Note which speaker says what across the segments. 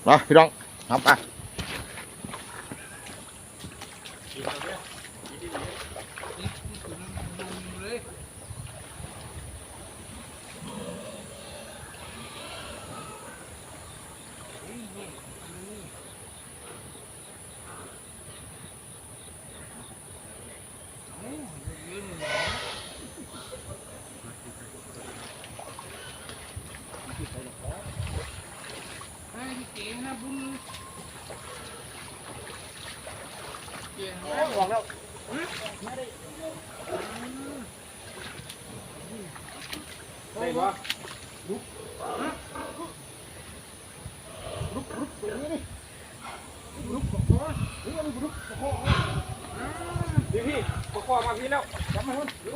Speaker 1: มาพี่น้องทำไปออกแล้วได้ปะลุกตัวนี้นี่ลุกคอนี่มันลุกคอพี่คอมาพี่แล้วจับมัน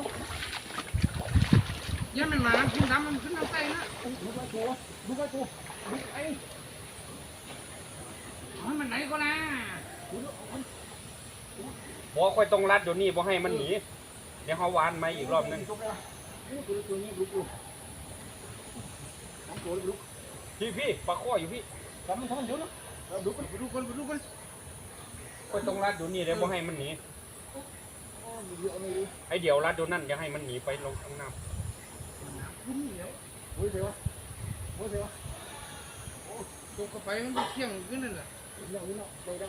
Speaker 2: ยังมันมาขึ้นดำมันขึ้นน้ำใต้นะ
Speaker 1: ลุกไอ้ตัวลุกไอ้
Speaker 2: มันไหนก็นะ
Speaker 3: บ่ค่อยต้องรัดเดี๋ยวนี้บ่ให้มันหนีเดี๋ยวเขาวานไหมอีกรอบนึงพี่ปลาข้ออยู่พี่
Speaker 1: ทำมันเดี๋ยวนะดูกัน
Speaker 3: ค่อยต้องรัดเดี๋ยวนี้เดี๋ยวบ่ให้มันหนีไอเดี๋ยวรัดเดี๋ยวนั่นอย่าให้มันหนีไปลงข้างน้ำ
Speaker 1: โอ้ยเสียว
Speaker 2: ตกไปมันเที่ยงขึ้นนั่นแหละ
Speaker 1: ได้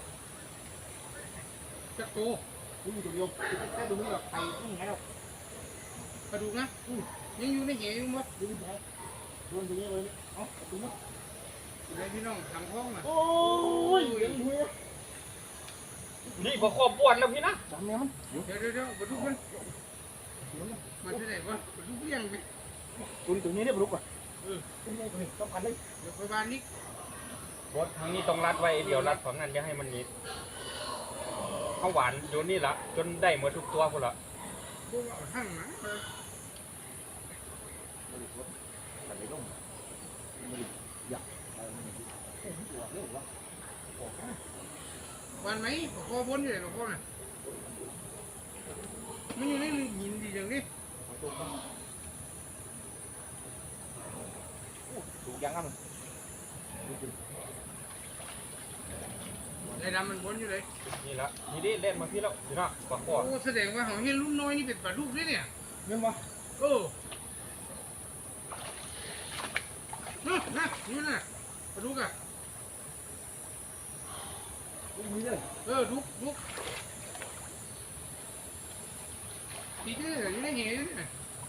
Speaker 2: จักโต
Speaker 1: ดูตัวเดียวแค่ดูนี่แบบไข่ไม่ไงหรอก
Speaker 2: กระดูกนะยังอยู่ในเหวอยู่มั้ง
Speaker 1: ดูแผลโดนตรงนี้เลยเอาตรงนี้
Speaker 2: ไอพี่น้องทำห้องน่ะ
Speaker 1: โอ้ย
Speaker 3: นี่ปลาข้อบ้วนแล้วพี่นะ
Speaker 1: จำแม่มัน
Speaker 2: เดี๋ยวกระดูกมันที่ไหนวะกระดูกเลี้ยงไป
Speaker 1: ตัวนี้เรียบร้อยอ่ะต้องกันเลย
Speaker 2: เดี๋ยวไปบ้านนี้
Speaker 3: บดทางนี้ต้องรัดไว้เดี๋ยวรัดฝั่งนั้นอย่าให้มันหนีเขาหวานโยนนี่ละจนได้หมดทุกตัวคนละ
Speaker 2: หั่งนะวันไหมขอบนอยู่ไหนหลวงพ่อน่ะมันอยู่ในหินดีอย่างนี้
Speaker 1: ถูกยังอ่ะ
Speaker 2: ไอ้ดำมันบนอยู่เลย
Speaker 3: นี่ละนี่ดิเล่นมาพี่แล้วพี่นะปลาข้อ
Speaker 2: โอ้แสดงว่าของเฮียรุ่นน้อยนี่เป็นปลาลูกด้วยเนี่ย
Speaker 1: เรื่องวะ
Speaker 2: นี่นะปลาลูกอ่ะลุกตีเด้ออยู่ในเหวเนี่ย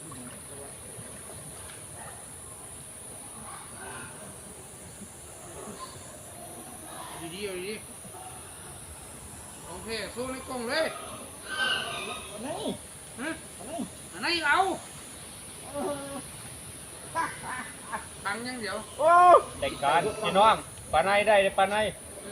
Speaker 2: ดีโอเคโซ่ในกล่องเลยอันนี้เอาตังยังเดี๋ยว
Speaker 3: แต่งการพี่น้องปลาในได้ปลาใน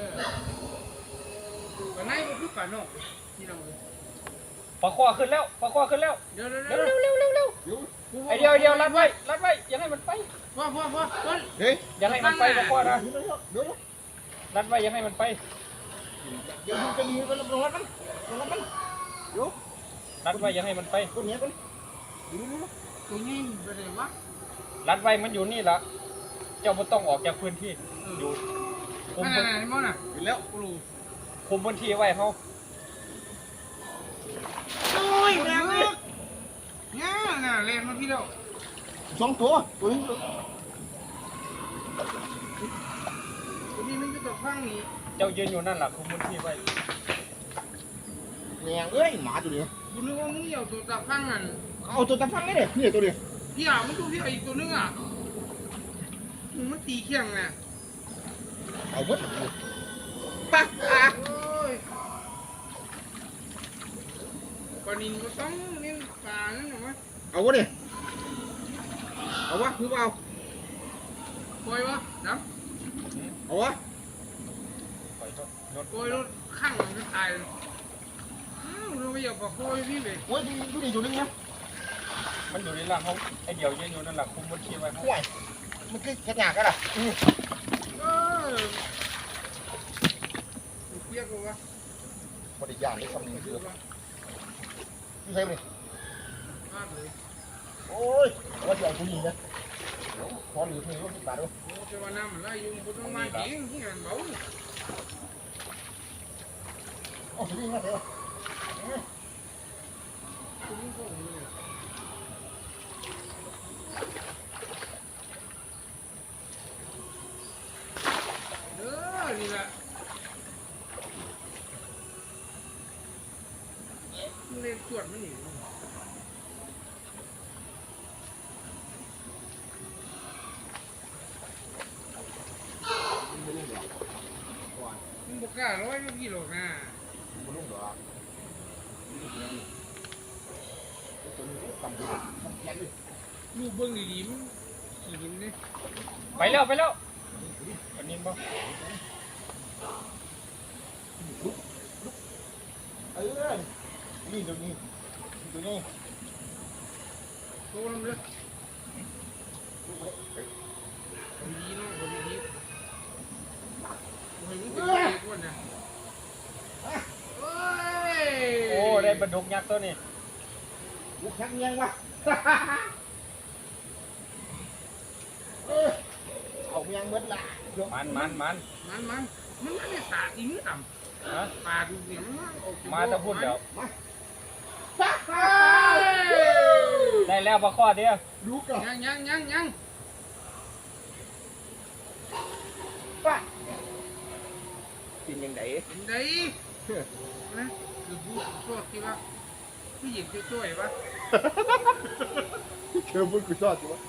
Speaker 2: ปลาในก็คือปลานอกที่เรา
Speaker 3: ปลาข้อขึ้นแล้ว
Speaker 2: เดี๋ยว
Speaker 3: ไอเดียวรัดไว้อย่าให้มันไป
Speaker 2: พ่อ
Speaker 3: อย่าให้มันไปปลาข้อนะรัดไว้อย่าให้มันไปรัดไว้อย่าให้มันไป
Speaker 1: ตัวนี้
Speaker 2: ไปไหนวะ
Speaker 3: รัดไว้มันอยู่นี่ละเจ้าไม่ต้องออกจากพื้นที่อยู่
Speaker 2: คุมพื้นที่มั้งน่ะ
Speaker 1: แล้ว
Speaker 3: คุมพื้นที่ไว้เขา
Speaker 2: โอ้ยแรงเลยเนี่ยน่ะเล่นมาพี่แล้ว
Speaker 1: 2 ตัวนี้
Speaker 2: มันจะตกข้างนี้
Speaker 3: เจ้ายืนอยู่นั่นแหละคุมพื้นที่ไว้
Speaker 1: แรงเอ้ยหมาตัวนี้
Speaker 2: คุณนึกว่ามึงเอาตัวตาข้างนั่น
Speaker 1: เอาตัวตาฟังนี่เลยนี่ตัวเดียว
Speaker 2: พี่มันดูพี่อีกตัวนึงอ่ะมันตีเขี้ยงไง
Speaker 1: เอาหมดปัก
Speaker 2: ปลานินก็ต้องเลี้ยงปลานั่นหรอวะ
Speaker 1: เอาวะดิเอาวะคือเอา
Speaker 2: ปล่อยวะน้
Speaker 1: ำเอาวะ
Speaker 2: ปล่อยรถข้างมันจะตายเราไม่อยากปล่อยพี่เลย
Speaker 1: โอ้ยดูดิอยู่นี่นะ
Speaker 3: มันอยู่ในหลังเขาไอเดียวยืนอยู่นั่นแหละคุมพื้นที่ไว้
Speaker 1: ห่วยมันคือขยะกันล่ะ
Speaker 2: เรียกว่า
Speaker 1: บริยารได้คำนี้คือนี่ใช่ไหมโอ้ยว่าจะเอาผู้หญิงนะขอหรือเพลงรถที่ป่าด้วย
Speaker 2: โอ้จะว่าน้ำมันไหลอยู่บนต้นไม้เองที่มันเบา
Speaker 1: โอ้ยมาเถอะ
Speaker 2: นี่แหละเล่นตรวจมันนี่มึงบอกกล้าร้อยพี่หรอกนะ
Speaker 1: บุรุษเหรอตัวนี้
Speaker 2: ลูกเบิ้งดีๆมันขี่หินเนี่ย
Speaker 3: ไปแล้วอันนี้บ่
Speaker 1: นี่ตัวนี้
Speaker 2: โตลงเลยดีเนาะคนดีโอ้ยมึงเป็นเด็กวันน่ะเฮ้ย
Speaker 3: โอ้ได้ปลาดุกยักษ์ตัวนี้
Speaker 1: บุกชักยังวะเอายังเบิดละ
Speaker 3: มัน
Speaker 2: มันไม่ได้สาดอีกต่ำ
Speaker 3: ฮะ
Speaker 2: ปลาดูเสียง
Speaker 3: มาจะพูดเดี๋ยวได้แล้วปลาข้อเดียว
Speaker 1: ดูก่อน
Speaker 2: ยัง
Speaker 1: ป้ากินยังไง
Speaker 2: เป็นไงนะคือพูดโทษที่ว่าผู้หญิงช่วยๆวะ
Speaker 1: เชื่อพูดกูชอบจ้ะ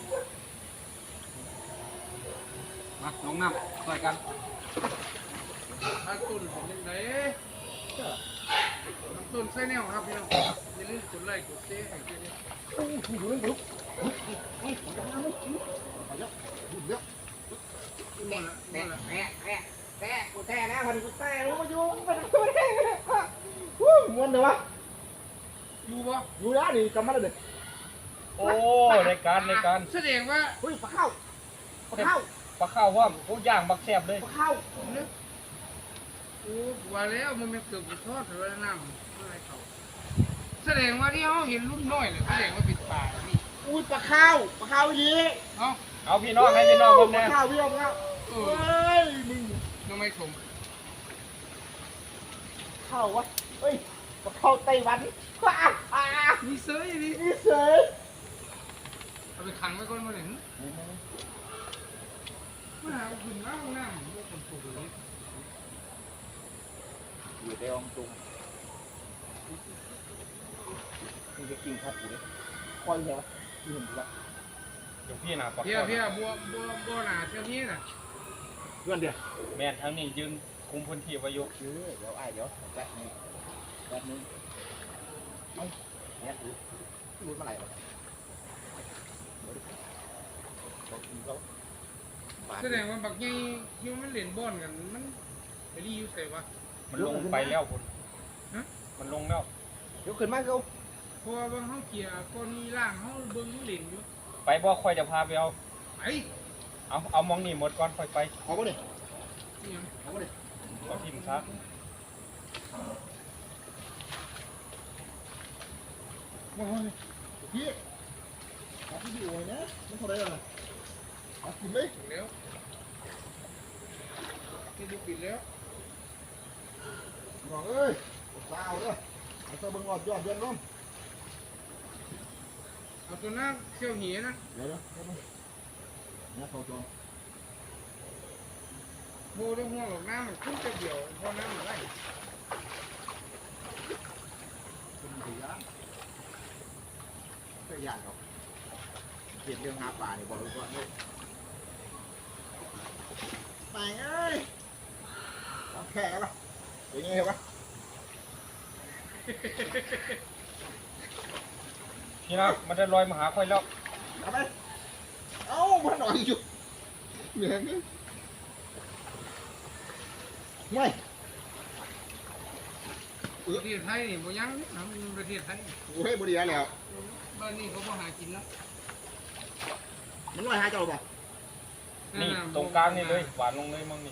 Speaker 3: มาลงน้ำช่วยกัน
Speaker 2: ถ้าต้นเป็นยังไงต้นไส้แนวครับพี่น้องอย่าลืมกดไลค์กดแชร์ให้ด้วยนะ
Speaker 1: โอ้โหดูดูดู
Speaker 2: หมดละ
Speaker 1: แท้กูแท้นะพันกูแท้รู้มาอยู่มันกูแท้ม้วนเลยวะ
Speaker 2: อยู่ปะ
Speaker 1: อยู่นะนี่กำมันเลย
Speaker 3: โอ้ในการ
Speaker 2: แสดงว่า
Speaker 1: เฮ้ยปลาเข้า
Speaker 3: ปลาข้าวว่าผู้ย่างบักแซ่บเลย
Speaker 1: ปลาเข้า
Speaker 2: เนี่ยโอ้ว่าแล้วมันไม่เกิดทอดหรือว่าน้ำอะไรเขาแสดงว่าที่เขาเห็นรุ่นน้อยเลยแสดงว่าเป็นป่านี่
Speaker 1: อุ้ยปลาเข้ายี
Speaker 2: เนาะ
Speaker 3: เอาพี่น้องให้พี่น้องผม
Speaker 1: ปลา
Speaker 3: แน่
Speaker 1: เข้าพี่น้องครับเฮ้ยมึง
Speaker 2: ทำไมสม
Speaker 1: เข้าวะเฮ้ยปลาเข้าไต้หวันว้า
Speaker 2: มีเซยนี่
Speaker 1: นี่เสย
Speaker 2: เอาไปขังไว้ก่อนมาหนึ่งมาเอาขึ้นมาห้องน้ำพวกคนปลูกเลย
Speaker 1: อยู่ในองตุงมึงจะกินครับอยู่เลยคอยเหรอที่เห็นปะ
Speaker 3: เดี๋ยวพี่นะปลา
Speaker 2: เพี้ย
Speaker 3: ข้าว
Speaker 2: เพี้ยบัวหนาเท่านี้น่ะ
Speaker 1: เพื่อนเดียว
Speaker 3: แม่นทั้งนี้ยืนคุมพื้นที่ไว้อยู่
Speaker 1: เดี๋ยวเดี๋ยวแป๊บนึงเอ้าเนี่ยรู้เมื่อไหร่วะเขา
Speaker 2: แสดงว่าบักใหญ่ที่มันเล่นบอลกันมันไปรีอยู่ใส่วะ
Speaker 3: มันลงไปแล้วคุณมันลงแล้ว
Speaker 1: เดี๋ยวขึ้นมาเขา
Speaker 2: เพราะว่าบางเขาเกี่ยก้อนนี้ล่างเขาเบิ้งมันเล่นอยู่
Speaker 3: ไปบ่ค่อยจะพาไปเอา
Speaker 2: ไป
Speaker 3: เอามองนี่หมดก่อนค่อยไป
Speaker 1: เอาไปเลย
Speaker 2: นี่ยัง
Speaker 1: เอาไปเลย
Speaker 3: เอาทิมซะ
Speaker 1: มาเลยพี่เอาพี่ดูไว้นะมันเท่าไรล่ะเอากินเลย
Speaker 2: ถึงแล้วนี่ดูปิดแล้ว
Speaker 1: บอกเอ้ยปลาเอาเด้อเอาตัวเบิ่งอดยอดเดือนน้อง
Speaker 2: เอาตัวหน้าเชี่ยวเหี่ยนะ
Speaker 1: เดี๋ยวนะเขาจอง
Speaker 2: โบต้องห่วงหรอกน้ำมันขึ้นจะเดี่ยวเพราะน้ำมันไหล
Speaker 1: เป็นสีย่างก็ย่างเขาเก็บเรื่องหาปลาเนี่ยบอกเลยก่อนเลยไปเอ้ยเอาแค่แล้วป่ะอย่างงี้เหรอวะ
Speaker 3: พี่นะมันจะลอยมาหาค่อยแล้ว
Speaker 1: เอาไปเอ้ามาหน่อยอยู่เหนื่อยนี่ไม่
Speaker 2: ประเทศไทยนี่บ่ยังนะมันประเทศไทย
Speaker 1: โอ้ยบดีแล้ว
Speaker 2: บ้านนี้เขาบ่หากินแล้ว
Speaker 1: มันน้อยหาเจ้าป่ะ
Speaker 3: นี่ตรงกลางนี่เลยหวานลงเลยมั่งนี่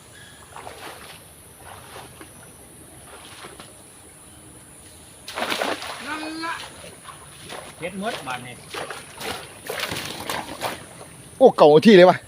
Speaker 2: นั่นละ
Speaker 3: เฮ็ดมดบานนี่
Speaker 4: โอ้เก่าที่เลยวะ